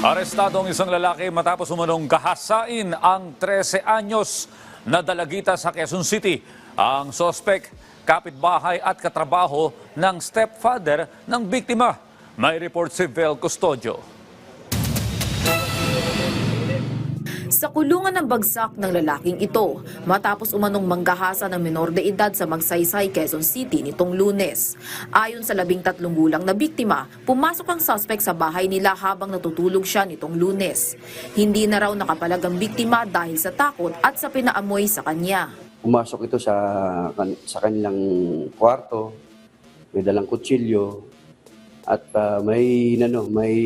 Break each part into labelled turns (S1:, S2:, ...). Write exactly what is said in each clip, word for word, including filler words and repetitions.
S1: Arestado ang isang lalaki matapos umanong gahasain ang trese anyos na dalagita sa Quezon City. Ang sospek, kapitbahay at katrabaho ng stepfather ng biktima. May report si Vel Custodio.
S2: Sa kulungan ng bagsak ng lalaking ito matapos umanong manggahasa ng menor de edad sa Magsaysay, Quezon City nitong Lunes. Ayon sa labing tatlong gulang na biktima, pumasok ang suspect sa bahay nila habang natutulog siya nitong Lunes. Hindi na raw nakapalag ang biktima dahil sa takot at sa pinaamoy sa kanya.
S3: Pumasok ito sa sa kanilang kwarto, may dalang kutsilyo at uh, may ano, may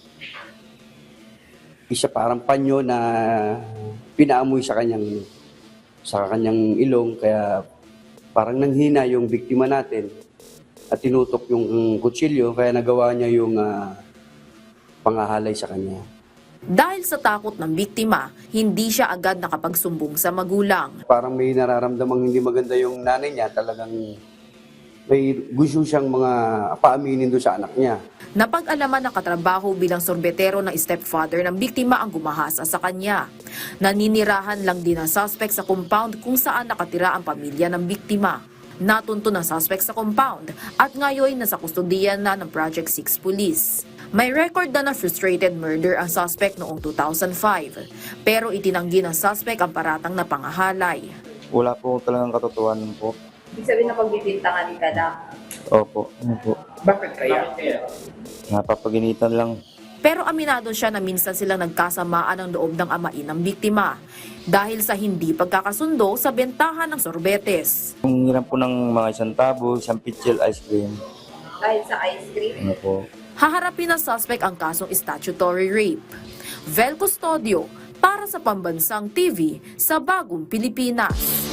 S3: isa parang panyo na pinaamoy sa kanyang sa kanyang ilong, kaya parang nanghina yung biktima natin at tinutok yung kutsilyo, kaya nagawa niya yung uh, pangahalay sa kanya.
S2: Dahil sa takot ng biktima, hindi siya agad nakapagsumbong sa magulang.
S3: Parang may nararamdamang hindi maganda yung nanay niya, talagang may gusto siyang mga paaminin doon sa anak niya.
S2: Napag-alaman ng katrabaho bilang sorbetero ng stepfather ng biktima ang gumahasa sa kanya. Naninirahan lang din ang suspect sa compound kung saan nakatira ang pamilya ng biktima. Natunto ng suspect sa compound at ngayon nasa kustodiyan na ng Project six Police. May record na ng frustrated murder ang suspect noong two thousand five, pero itinanggi ng suspect ang paratang na pangahalay.
S4: Wala po talagang katotohanan po.
S5: Ibig sabihin na pagbibintangan ka na.
S4: Opo, ano po.
S5: Bakit kaya?
S4: Napapaginitan lang.
S2: Pero aminado siya na minsan silang nagkasamaan ang loob ng amain ng biktima dahil sa hindi pagkakasundo sa bentahan ng sorbetes.
S4: Yung hiram po ng mga isang tabo, isang pitchel ice cream.
S5: Dahil sa ice cream?
S4: Ano po.
S2: Haharapin ng suspect ang kasong statutory rape. Vel Custodio para sa Pambansang T V sa Bagong Pilipinas.